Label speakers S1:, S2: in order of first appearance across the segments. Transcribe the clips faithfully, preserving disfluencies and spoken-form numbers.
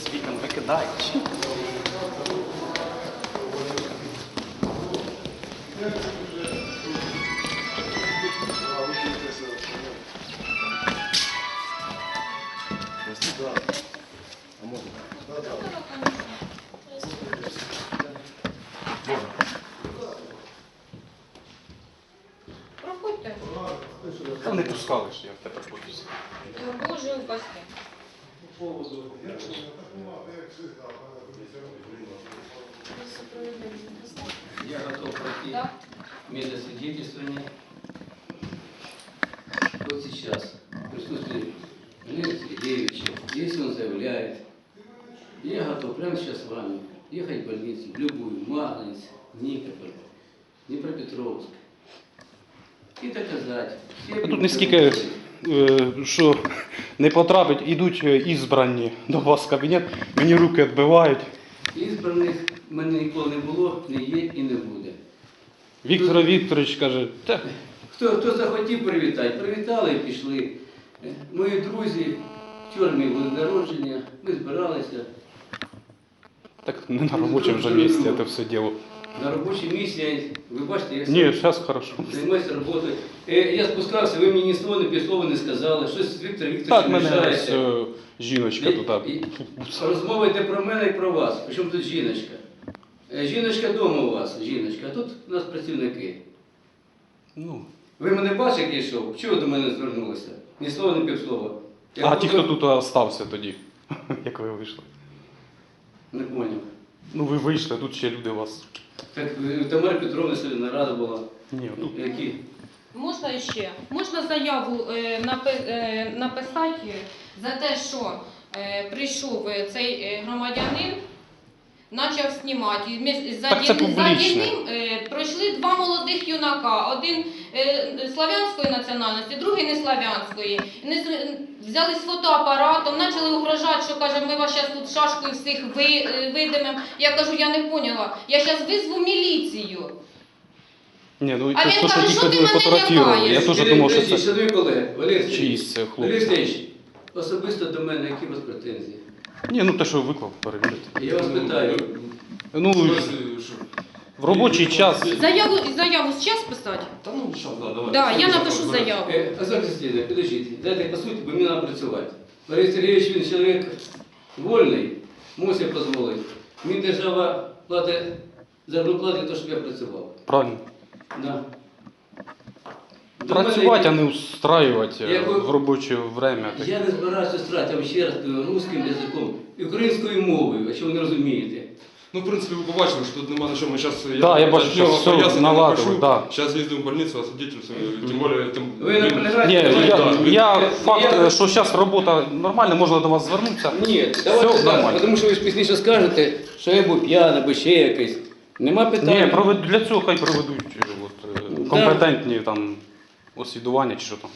S1: Вікон викидають.
S2: Проходьте.
S1: Та не пускали ж, я тепер боюсь.
S2: Боже упаси.
S3: Я готов пройти
S2: Да?
S3: медосвидетельствование. Вот сейчас, в присутствии Валерия Сергеевича, если он заявляет, я готов прямо сейчас с вами ехать в больницу, в любую, Магнитс, Никополь, Днепропетровск, и доказать. все
S1: Тут не скільки, е, що не потрапить, ідуть е, ізбрані до вас в кабінет, мені руки відбивають.
S3: Ізбраних в мене ніколи не було, не є і не буде.
S1: Віктор Вікторович каже, та
S3: Хто, хто захотів привітати, привітали і пішли. Е, Мої друзі, вчора мій був день народження, ми збиралися.
S1: так не на робочому вже місці це все діло.
S3: На робочій місці, ви бачите, я
S1: Ні, зараз хорошо.
S3: займаюся роботою. Е, Я спускався, ви мені ні слова, ні півслова не сказали. Щось Віктор
S1: Так,
S3: Вікторович
S1: мене ось
S3: мішається.
S1: е, жіночка тут.
S3: І- і Розмова йде про мене і про вас. Причому тут жіночка. Е, Жіночка вдома у вас, жіночка, а тут у нас працівники.
S1: Ну.
S3: Ви мене бачите, як я йшов? Чого ви до мене звернулися? Ні слова, ні півслова. Я
S1: А ті,
S3: просто-
S1: хто тут залишився тоді, як ви вийшли?
S3: Не поняв.
S1: Ну ви вийшли, тут ще люди у вас.
S3: Так, е, Тамара Петровна сьогодні нарада була.
S1: Ні, ну.
S3: Які?
S2: Можна ще? Можна заяву е, напи- е, написати за те, що е, прийшов е, цей е, громадянин, почав знімати. І між- За,
S1: Так це
S2: дін- за
S1: публічне.
S2: ним е, пройшли два молодих юнака. Один е, славянської національності, другий не славянської. Вони з- взяли з фотоапаратом, почали угрожати, що каже, ми вас зараз тут шашкою всіх ви, е, видимемо. Я кажу, я не поняла. Я зараз визву міліцію.
S1: Ні, ну
S2: А
S1: це
S2: він
S1: то, що
S2: каже,
S1: ті,
S2: що
S1: хто
S2: ти
S1: ви
S2: мене
S1: фотографували.
S2: лякаєш?
S1: Я теж
S3: Сергій
S1: думав, що
S3: Андрійович,
S1: це
S3: шановні колеги, Валерій Сергійович,
S1: чиїсь це
S3: Валерій
S1: хлопці.
S3: Сергійович, особисто до мене, які у вас претензії?
S1: Ні, ну те, що виклав, перевірити.
S3: Я вас питаю.
S1: Ну, в робочий час.
S2: Заяву, заяву зараз писати?
S4: Та ну, що, да, давай.
S2: Да, я напишу заяву.
S3: Е, Олександр Слідович, підождіть, дайте по суті, бо мені треба працювати. Валерій Сергійович, він чоловік вольний, мусить дозволити. Мені держава платить зарплату для того, щоб я працював.
S1: Правильно.
S3: Да. До мене-
S1: Працювати, а не устраювати
S3: Я би-
S1: в робоче время.
S3: Я не збираюся страти, я вам ще раз кажу, русським язиком і українською мовою, якщо ви не розумієте.
S4: Ну, в принципі, ви побачили, що тут нема на чому. Зараз
S1: Да, я бачу, що все наладили, да.
S4: Зараз їздимо в больницю, а свидетельствую, тим більше... Тим...
S3: Ви наполягаєте?
S1: Ні,
S3: Давайте,
S1: я,
S3: да.
S1: я
S3: Ви-
S1: факт,
S3: я-
S1: що зараз робота нормальна, можна до вас звернутися.
S3: Ні, давайте
S1: Все
S3: так,
S1: нормально.
S3: тому що ви ж пізніше скажете, що я був п'яний або ще якийсь. Нема питань.
S1: Ні, провед- для цього хай проведуть е, от, е,
S3: Да.
S1: компетентні там освідування чи що там.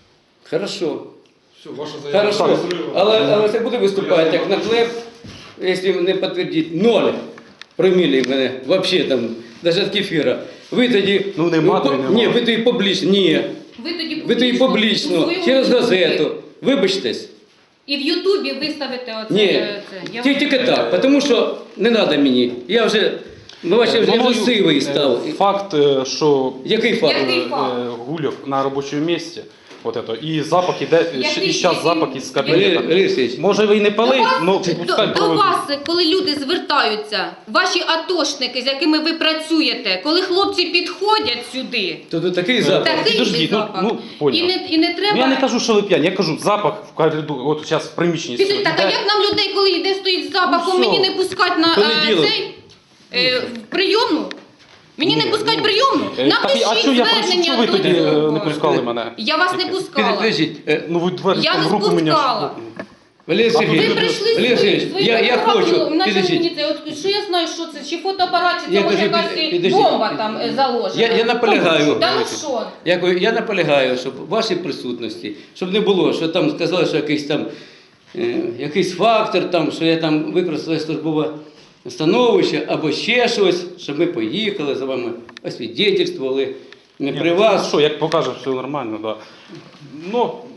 S3: Хорошо.
S4: Все, ваша заява.
S3: Хорошо. Але, але це буде виступати
S4: Я
S3: як наклеп, якщо не підтвердить ноль промілі в мене, взагалі там, навіть від кефіра. Ви тоді...
S1: Ну, нема,
S3: ви,
S1: то й
S3: по-
S1: нема.
S3: Ні, ви тоді публічно, ні.
S2: Ви тоді
S3: Ви тоді
S2: у
S3: публічно,
S2: своєму
S3: через
S2: Ютубі.
S3: газету. Вибачтесь.
S2: І в Ютубі виставите оце.
S3: Ні,
S2: е, це. Я
S3: тільки, тільки так, тому що не треба мені. Я вже, ну, бачите, вже
S1: Мною,
S3: агресивний
S1: е,
S3: став.
S1: Факт, е, що
S3: Який факт?
S2: Який
S1: е,
S2: факт?
S1: е, гуляв на робочому місці, от это, і запах іде,
S2: Який-
S1: і зараз
S2: який-
S1: запах із
S3: Валерій
S1: кабінету.
S3: Валерій Сергійович,
S1: Може ви і не пили, але
S2: до,
S1: пускай
S2: до
S1: проведуть.
S2: вас, коли люди звертаються, ваші атошники, з якими ви працюєте, коли хлопці підходять сюди,
S3: то тут такий запах.
S2: такий
S1: підождіть, ну,
S2: запах.
S1: ну, поняв.
S2: і, не, і не треба...
S1: Ну, я не кажу, що ви п'яні, я кажу запах в коридорі, от зараз в приміщенні.
S2: Піди,
S1: стоїть.
S2: так, а
S1: Іде-
S2: як нам людей, коли йде стоїть з запахом,
S1: Ну,
S2: мені
S1: все.
S2: не пускати на е,
S3: Понеділок.
S2: цей е, в прийомну? Мені
S1: Ні,
S2: не пускать
S1: ну,
S2: прийомну?
S1: Е, так,
S2: Напишіть
S1: а що я прошу,
S2: звернення
S1: що ви
S2: до
S1: тоді е,
S2: цього.
S1: не пускали мене?
S2: Я вас не
S1: Яке?
S2: пускала.
S3: Підождіть, е,
S1: Ну ви двері
S2: Я
S1: в
S2: не
S1: руку мені.
S2: спускала.
S3: Валерій
S1: А тут
S3: Сергійович,
S2: Ви прийшли
S3: Валерій Сергійович,
S2: свої
S3: я, я хочу,
S2: почали
S3: підождіть.
S2: мені це, от, що я знаю, що це, чи фотоапарат, чи це
S3: Я
S2: може
S3: кажу,
S2: якась
S3: під- підождіть.
S2: бомба там е, заложена.
S3: Я, я наполягаю.
S2: Та ну що?
S3: Я, кажу, я наполягаю, щоб в вашій присутності, щоб не було, що там сказали, що якийсь там е, якийсь фактор, там, що я там використала службове становище або ще щось, щоб ми поїхали за вами, освідетельствували. Не
S1: Ні,
S3: при
S1: ну,
S3: вас.
S1: Що, як покаже, все нормально, да. Ну,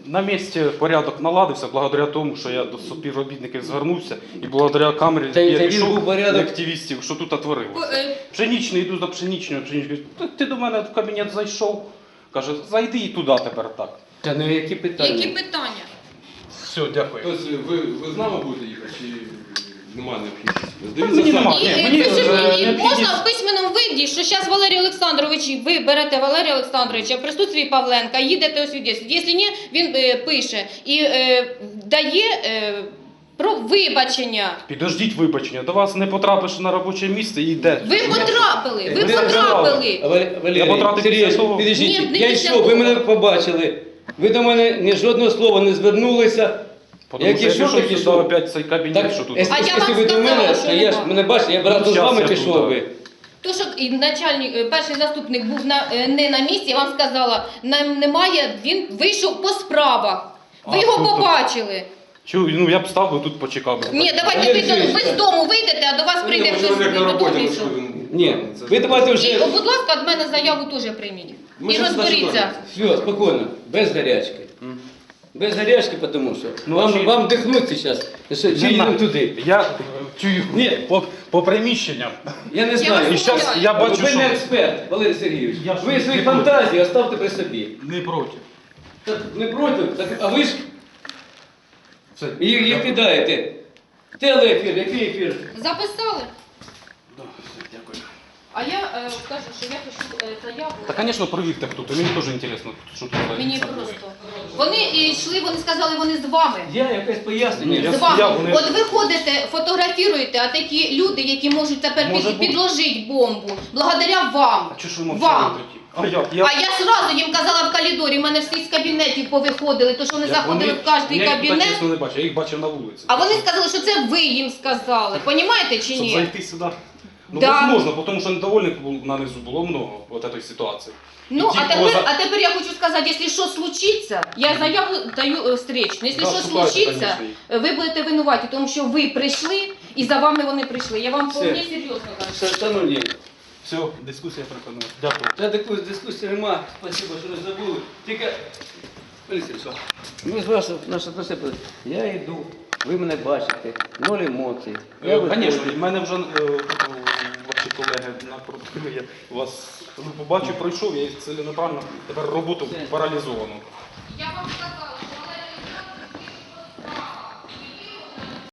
S1: на місці порядок наладився благодаря тому, що я до співробітників звернувся і благодаря камері
S3: Та й-
S1: я
S3: та він
S1: пішов
S3: був порядок.
S1: до активістів, що тут
S2: По-
S1: отворилося.
S2: е,
S1: Пшенічний, йду за пшенічною, пшенічною. «Та Ти до мене в кабінет зайшов. Каже, зайди і туди тепер так.
S3: Та ну які питання?
S2: Які питання?
S1: Все, дякую.
S4: Тобто ви, ви з нами будете їхати чи немає необхідності?
S1: мені
S4: Дивіться
S1: нема.
S4: самі.
S2: І,
S1: Ні,
S2: е,
S1: мені,
S2: пише
S1: е,
S2: мені,
S1: необхідність-
S2: можна в письменному виді, що зараз Валерій Олександрович, ви берете Валерія Олександровича в присутстві Павленка, їдете освідчити. Якщо ні, він е, пише і е, дає е, про вибачення.
S1: Підождіть вибачення, до вас не потрапиш на робоче місце і йде.
S2: Ви потрапили, ви
S3: Ви
S2: потрапили.
S3: Валерій, Валерій,
S1: Я потратив
S3: Сергійович,
S1: після того.
S3: підождіть,
S2: Ні, не
S3: я
S2: після
S3: йшов, ви
S2: того.
S3: мене побачили. Ви до мене ні жодного слова не звернулися.
S1: Тому
S3: Як
S1: що я
S3: ішов,
S1: пішов
S3: так
S1: сюди
S3: ішов.
S1: опять цей кабінет,
S3: Так,
S1: що тут.
S3: якщо
S2: А я
S3: якщо
S2: вам
S3: ви до
S2: сказала,
S3: мене,
S2: що
S3: то я ж
S2: нема.
S3: мене бачите, я б разом з
S1: Щас
S3: вами
S1: я тут,
S3: пішов
S1: так.
S3: би.
S2: То, що і начальник, е, перший заступник був на, е, не на місці, я вам сказала, нам немає, він вийшов по справах. Ви
S1: А,
S2: його
S1: тобто-
S2: побачили.
S1: Чу, ну я б став би тут почекав. би.
S2: Ні, давайте
S3: Валерій
S2: ви, до- ви з
S3: Сергійович,
S2: дому вийдете, а до вас прийде
S4: Ну,
S2: хтось
S4: чоловік на роботі,
S2: додому. і
S4: ну,
S2: все.
S4: що він-
S3: Ні,
S4: Це
S3: ви
S4: ж-
S3: давайте
S2: І,
S3: вже...
S2: о, будь ласка, від мене заяву теж прийміть.
S4: Ми
S2: І
S4: щас
S2: розберіться.
S3: Все, спокійно, без гарячки.
S1: М.
S3: Без гарячки, тому що
S1: Ну,
S3: вам,
S1: чи-
S3: вам дихнути зараз. Що,
S1: Не
S3: чи їдемо
S1: знаю.
S3: туди?
S1: Я е, чую
S3: Ні.
S1: по, по приміщенням.
S3: Я не
S2: Я
S3: знаю.
S1: І
S2: вас
S1: зараз я бачу,
S3: ви
S1: що
S3: не експерт, Валерій Сергійович.
S1: Я ж
S3: Ви
S1: не
S3: свої
S1: проти.
S3: фантазії оставте при собі.
S1: не проти.
S3: Так не проти, так, а ви ж
S1: Все.
S3: їх, їх кидаєте. Телеефір, який ефір?
S2: Записали?
S1: Да, все, дякую.
S2: А я е, кажу, що я пишу е, заяву.
S1: Та, звісно, провірте хто, то мені теж цікаво, що тут.
S2: Мені
S1: це
S2: просто. Вони е, йшли, вони сказали, вони з вами.
S3: Я якесь пояснення.
S1: Ні, я
S2: З вами.
S1: стояв, вони-
S2: От ви ходите, фотографіруєте, а такі люди, які можуть тепер
S1: Може
S2: під,
S1: бути.
S2: підложити бомбу, благодаря вам.
S1: А чого ж ви
S2: Вам.
S1: мовчали тоді? А як? Я...
S2: А я сразу їм казала в коридорі, в мене всі з кабінетів повиходили, то що вони
S1: я-
S2: заходили в кожний
S1: я їх так,
S2: кабінет.
S1: чесно, не бачив, я їх бачив на вулиці.
S2: А вони сказали, що це ви їм сказали. Понімаєте чи
S1: Щоб
S2: ні?
S1: зайти сюди. Ну,
S2: Да.
S1: возможно, тому що недовольних було нанизу було много от этой ситуації.
S2: Ну,
S1: І ті,
S2: а
S1: кого
S2: тепер,
S1: за-
S2: а тепер я хочу сказати, якщо що случиться, я заяву даю е, встречну. Якщо
S1: Да,
S2: що
S1: шукайте,
S2: случиться,
S1: конечно.
S2: ви будете винуваті, тому що ви прийшли і за вами вони прийшли. Я вам
S3: Все.
S2: вполне серйозно кажу.
S3: Шановні,
S1: Все, дискусія припинилась. Дякую.
S3: та таку дискусії нема. Спасибо, що не забули. Тільки, Валерій Сергійович, ми з вашого, наше просипали. Я йду, ви мене бачите, ноль емоцій. Я
S1: Звісно,
S3: виходжу.
S1: в мене вже е, ваші колеги напроти, я вас ну, побачив, пройшов, я ціленаправно тепер роботу паралізовано.